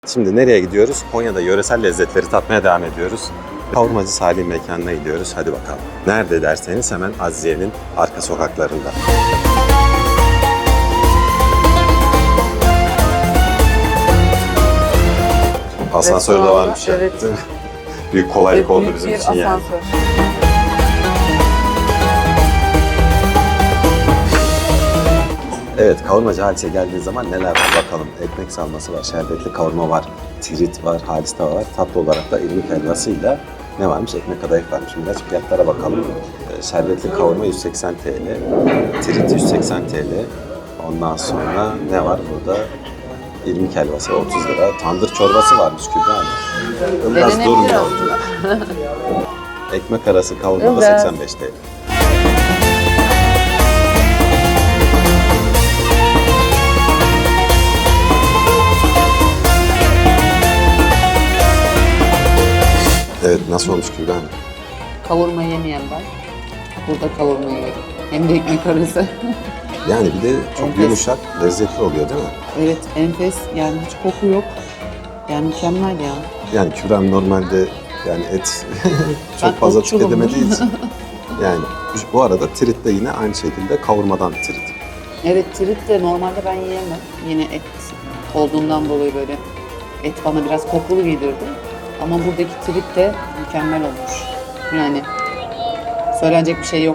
Şimdi nereye gidiyoruz? Konya'da yöresel lezzetleri tatmaya devam ediyoruz. Kavurmacı Salih mekanına gidiyoruz. Hadi bakalım. Nerede derseniz hemen Azize'nin arka sokaklarında. Asansör de varmış ya. Evet. Büyük kolaylık oldu Büyük bizim bir için yani. asansör. Evet, kavurmacı Halis'e geldiği zaman neler var bakalım. Ekmek salması var, şerbetli kavurma var, tirit var, halis tava var. Tatlı olarak da irmik helvasıyla ne varmış? Ekmek kadayıf varmış. Biraz fiyatlara bakalım. Şerbetli kavurma 180 TL, tirit 180 TL. Ondan sonra ne var burada? İrmik helvası 30 lira. Tandır çorbası varmış Kübra Hanım. Biraz Denenebilir durmuyor. aslında. Ekmek arası kavurma da Biraz. 85 TL. Evet, nasıl olmuş Kübra Hanım? Kavurma yemeyen ben. Burada kavurma yedim. Hem de ekmek arası. Yani bir de çok Enfes. yumuşak, lezzetli oluyor değil mi? Evet, enfes. Yani hiç koku yok. Yani mükemmel ya. Yani Kübra Hanım normalde yani et Ben çok fazla otçulum. tüketemediği için. Yani bu arada tirit de yine aynı şekilde kavurmadan tirit. Evet, tirit de normalde ben yiyemem. Yine et olduğundan dolayı böyle et bana biraz kokulu gelirdi. Ama buradaki tirit de mükemmel olmuş. Yani söylenecek bir şey yok.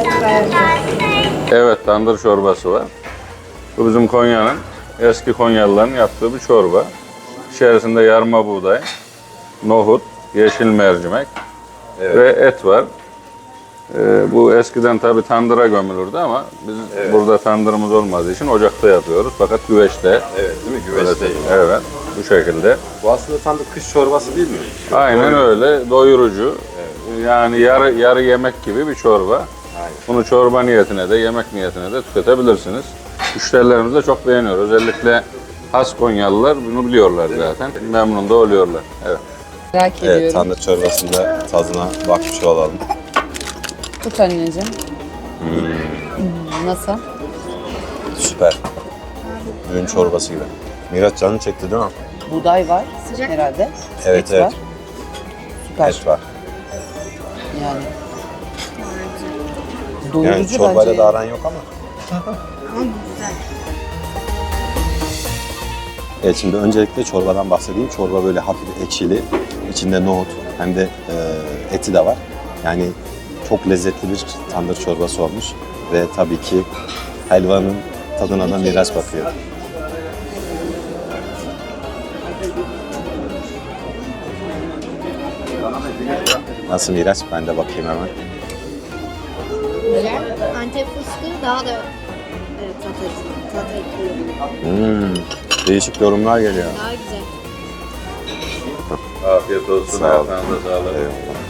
Evet, tandır çorbası var. Bu bizim Konya'nın, eski Konyalıların yaptığı bir çorba. İçerisinde yarma buğday, nohut, yeşil mercimek ve et var. Bu eskiden tabii tandıra gömülürdü ama biz burada tandırımız olmadığı için ocakta yapıyoruz. Fakat güveçte. Evet değil mi? Güveçte. Evet, bu şekilde. Bu aslında tam da kış çorbası değil mi? Aynen öyle, doyurucu. Yani yarı yemek gibi bir çorba. Aynen. Bunu çorba niyetine de yemek niyetine de tüketebilirsiniz. Müşterilerimiz de çok beğeniyor. Özellikle has Konyalılar bunu biliyorlar zaten. Memnun da oluyorlar. Evet. Merak Evet, ediyorum. tandır çorbasında tadına bakmış olalım. Tut anneciğim. Nasıl? Süper. Düğün çorbası gibi. Miraç canını çekti değil mi? Buğday var herhalde. Evet, Et evet. var. Süper. Et var. Yani. Doyurucu Yani çorbayla bence. da aran yok ama. Evet, şimdi öncelikle çorbadan bahsedeyim. Çorba böyle hafif ekşili. İçinde nohut hem de eti de var. Yani çok lezzetli bir tandır çorbası olmuş. Ve tabii ki helvanın tadına da Miraç bakıyor. Nasıl Miraç? Ben de bakayım hemen. Güzel. Antep fıstığı daha da tat ekliyor. Değişik yorumlar geliyor. Daha güzel. Afiyet olsun. Sağ olun. Ayaklarınıza sağlık. Eyvallah.